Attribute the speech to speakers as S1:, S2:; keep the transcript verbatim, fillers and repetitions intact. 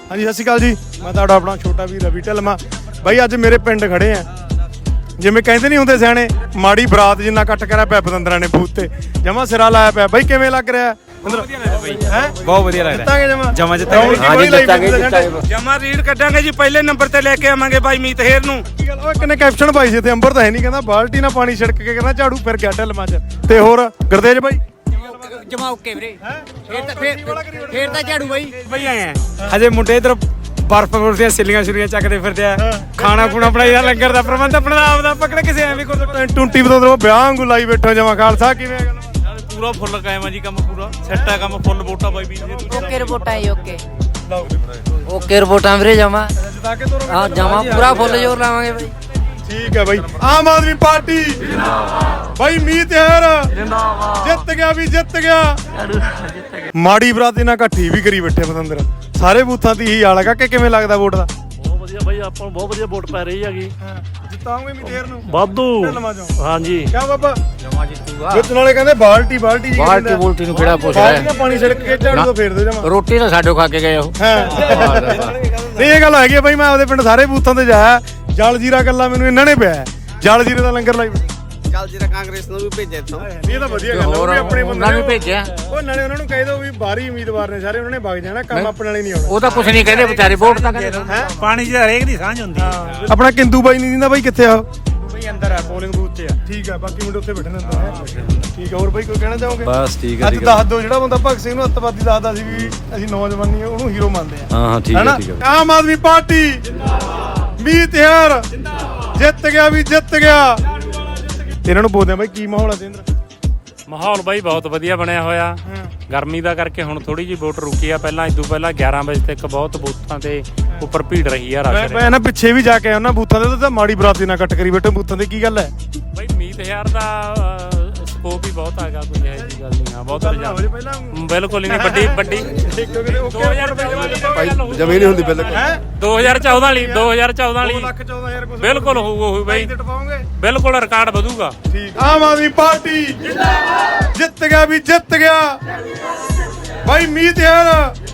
S1: हाँ जी सत श्री अकाल जी, मैं तुहाडा अपना छोटा भी रवि ढिल्लों। बई अज मेरे पिंड खड़े हैं, जिवें कहंदे नहीं हुंदे सियाणे माड़ी बरात जिन्ना कट करा पिया पतंदरां ने बूथ ते, जमा सिरा लाया पिया। बई किवें लग रिहा?
S2: बहुत वधिया लग रहा है।
S1: जमा
S2: जमा जितांगे
S1: हाँ जी जितांगे
S3: जमा रीड कटांगे जी, पहले नंबर ते लेके आवांगे भाई मीत हेर नूं।
S1: किन्ने कैप्शन पाई सी ते अंबर तां है नहीं, कहंदा बाल्टी ना पानी छिड़क के कहंदा झाड़ू फिर गया ढिल्लों च। ते होर गुरदेज भाई
S4: जमा ओके वीरे, फिर ਤਾਂ ਫਿਰ ਤਾਂ ਝਾੜੂ ਬਾਈ
S2: ਬਈ ਆਏ ਆ ਹਜੇ ਮੁੰਡੇ ਇਧਰ ਬਰਫ ਬਰਫ ਦੀਆਂ ਸਿੱਲੀਆਂ ਛੁਰੀਆਂ ਚੱਕਦੇ ਫਿਰਦੇ ਆ, ਖਾਣਾ ਖੂਣਾ ਬਣਾਈਦਾ, ਲੰਗਰ ਦਾ ਪ੍ਰਬੰਧ ਆਪਣਾ ਆਪ ਦਾ ਪਕੜ ਕਿਸੇ ਐਵੇਂ ਕੋਈ
S1: ਟੁੰਟੀ ਬਤੋਂ ਵਿਆਹ ਵਾਂਗੂ ਲਾਈ ਬੈਠੋ ਜਮਾ। ਖਾਲਸਾ ਕਿਵੇਂ ਗੱਲ?
S5: ਪੂਰਾ ਫੁੱਲ ਕਾਇਮ ਆ ਜੀ, ਕੰਮ ਪੂਰਾ ਸੈੱਟ ਆ, ਕੰਮ ਫੁੱਲ ਵੋਟਾਂ ਬਾਈ ਵੀ
S4: ਓਕੇ ਰਿਪੋਰਟਾਂ ਜੀ ਓਕੇ ਓਕੇ ਰਿਪੋਰਟਾਂ ਵੀਰੇ ਜਮਾ ਹਾਂ ਜਮਾ ਪੂਰਾ ਫੁੱਲ ਜ਼ੋਰ ਲਾਵਾਂਗੇ ਬਾਈ।
S1: ठीक है भाई। आम आदमी पार्टी भाई मीत हेर जित गया भी जित गया। माड़ी बराती ना घट्टी भी करी बैठे पतंदर सारे बूथां दी ही हाल है। कि किवें लगदा वोट दा?
S5: ਬਹੁਤ ਵਧੀਆ ਬਾਈ, ਆਪਾਂ ਨੂੰ ਬਹੁਤ ਵਧੀਆ ਵੋਟ ਪੈ ਰਹੀ ਹੈਗੀ।
S1: ਜਿਤਾਉਂਗੇ ਮੀਤ हेर ਨੂੰ
S5: ਵਾਧੂ। ਹਾਂਜੀ
S1: ਕਿਆ ਬਾਬਾ
S4: ਜਮਾ ਜਿੱਤੂਗਾ।
S1: ਵਿੱਚ ਨਾਲੇ ਕਹਿੰਦੇ ਬਾਲਟੀ ਬਾਲਟੀ ਜੀ
S4: ਬਾਲਟੀ ਬੁਲਟੀ ਨੂੰ ਕਿਹੜਾ ਪੁੱਛ
S1: ਬਾਲਟੀ ਨਾਲ ਪਾਣੀ ਛਿੜਕ ਕੇ ਝਾੜੂ ਤੋਂ ਫੇਰ ਦੇ ਜਮਾ।
S4: ਰੋਟੀ ਤਾਂ ਸਾਡੋ ਖਾ ਕੇ ਗਏ ਉਹ।
S1: ਨਹੀਂ ਇਹ ਗੱਲ ਹੈਗੀ ਬਾਈ, ਮੈਂ ਆਪਦੇ ਪਿੰਡ ਸਾਰੇ ਬੂਥਾਂ ਤੇ ਜਾਇਆ, ਜਲ ਜੀਰਾ ਗੱਲਾਂ ਮੈਨੂੰ ਇਹਨਾਂ ਨੇ ਪਿਆ। ਜਲ ਜੀਰੇ ਦਾ ਲੰਗਰ ਲਾਈ
S3: ਚੱਲ ਜੀਰਾ ਕਾਂਗਰਸ ਨੂੰ ਵੀ ਭੇਜਿਆ ਇੱਥੋਂ।
S1: ਇਹ ਤਾਂ ਵਧੀਆ ਗੱਲ ਹੈ, ਆਪਣੇ ਬੰਦੇ
S4: ਨੂੰ ਭੇਜਿਆ।
S1: ਉਹ ਨਾਲੇ ਉਹਨਾਂ ਨੂੰ ਕਹਿ ਦੋ ਵੀ ਬਾਹਰੀ ਉਮੀਦਵਾਰ ਨੇ ਸਾਰੇ, ਉਹਨਾਂ ਨੇ ਵਗ ਜਾਣਾ, ਕੰਮ ਆਪਣੇ ਵਾਲੇ ਨਹੀਂ ਆਉਣਾ।
S4: ਉਹ ਤਾਂ ਕੁਛ ਨਹੀਂ ਕਹਿੰਦੇ ਵਿਚਾਰੇ, ਵੋਟ ਤਾਂ ਕਹਿੰਦੇ
S1: ਹੈ।
S2: ਪਾਣੀ 'ਚ ਹਰੇਕ ਦੀ ਸਾਂਝ ਹੁੰਦੀ ਹੈ।
S1: ਆਪਣਾ ਕਿੰਦੂ ਬਾਈ ਨਹੀਂ ਦਿੰਦਾ ਬਾਈ, ਕਿੱਥੇ ਆ?
S2: ਬਈ ਅੰਦਰ ਆ ਪੋਲਿੰਗ ਬੂਥ 'ਚ ਆ।
S1: ਠੀਕ ਆ, ਬਾਕੀ ਮੁੰਡੇ ਉੱਥੇ ਬੈਠੇ ਨੇ ਅੰਦਰ ਹੈ। ਠੀਕ ਆ, ਹੋਰ ਬਾਈ ਕੋਈ ਕਹਿਣਾ ਚਾਹੋਗੇ?
S6: ਬਸ ਠੀਕ ਹੈ
S1: ਅੱਜ ਦੱਸ ਦਿਓ, ਜਿਹੜਾ ਬੰਦਾ ਭਗਤ ਸਿੰਘ ਨੂੰ ਅੱਤਵਾਦੀ ਦੱਸਦਾ ਸੀ ਵੀ ਅਸੀਂ ਨੌਜਵਾਨੀ ਉਹਨੂੰ ਹੀਰੋ ਮੰਨਦੇ ਆ।
S6: ਹਾਂ ਹਾਂ ਠੀਕ ਹੈ ਠੀਕ ਹੈ।
S1: ਆਮ ਆਦਮੀ ਪਾਰਟੀ ਜਿੰਦਾਬਾਦ, ਮੀਤ ਹੈਰ ਜਿੱਤ ਗਿਆ ਵੀ ਜਿੱਤ ਗਿਆ। ਇਹਨਾਂ ਨੂੰ ਪੁੱਛਦੇ ਆ ਬਾਈ ਕੀ ਮਾਹੌਲ ਆ ਸਿੰਦਰ?
S7: ਮਾਹੌਲ ਬਾਈ ਬਹੁਤ ਵਧੀਆ ਬਣਿਆ ਹੋਇਆ। ਗਰਮੀ ਦਾ ਕਰਕੇ ਹੁਣ ਥੋੜੀ ਜਿਹੀ ਵੋਟ ਰੁਕੀ ਆ, ਪਹਿਲਾਂ ਇਦੋਂ ਪਹਿਲਾਂ ਗਿਆਰਾਂ ਵਜੇ ਤੱਕ ਬਹੁਤ ਬੂਥਾਂ ਤੇ ਉੱਪਰ ਭੀੜ ਰਹੀ ਆ, ਰਸ਼
S1: ਮੈਂ ਨਾ ਪਿੱਛੇ ਵੀ ਜਾ ਕੇ ਆਇਆ ਉਹਨਾਂ ਬੂਥਾਂ ਦੇ, ਤਾਂ ਮਾੜੀ ਬਰਾਤੀ ਨਾਲ ਕੱਟ ਕਰੀ ਬੈਠੇ ਬੂਥਾਂ ਤੇ। ਕੀ ਗੱਲ ਹੈ
S7: ਬਾਈ? ਮੀਤ ਹਜ਼ਾਰ ਦਾ ਸਕੋਪ ਵੀ ਬਹੁਤ ਹੈਗਾ, ਕੋਈ ਇਹੋ ਜਿਹੀ ਗੱਲ ਨਹੀਂ ਆ, ਬਹੁਤ ਰੁਝਾਨ ਬਿਲਕੁਲ ਹੀ ਨਹੀਂ। ਵੱਡੀ ਵੱਡੀ ਦੋ ਹਜ਼ਾਰ
S6: ਜਮੀਨ ਨਹੀਂ ਹੁੰਦੀ ਬਿਲਕੁਲ।
S7: ਦੋ ਹਜ਼ਾਰ ਚੌਦਾਂ ਵਾਲੀ ਦੋ ਹਜ਼ਾਰ ਚੌਦਾਂ ਵਾਲੀ
S1: ਲੱਖ ਚੌਦਾਂ ਹਜ਼ਾਰ ਕੁਝ
S7: ਬਿਲਕੁਲ ਹੋਊਗਾ ਉਹ ਬਾਈ, ਬਿਲਕੁਲ ਰਿਕਾਰਡ ਵਧੂਗਾ।
S1: ਠੀਕ। ਆਮ ਆਦਮੀ ਪਾਰਟੀ ਜਿੰਦਾਬਾਦ, ਜਿੱਤ ਗਿਆ ਵੀ ਜਿੱਤ ਗਿਆ। ਭਾਈ ਮੀਤ ਹੈਰ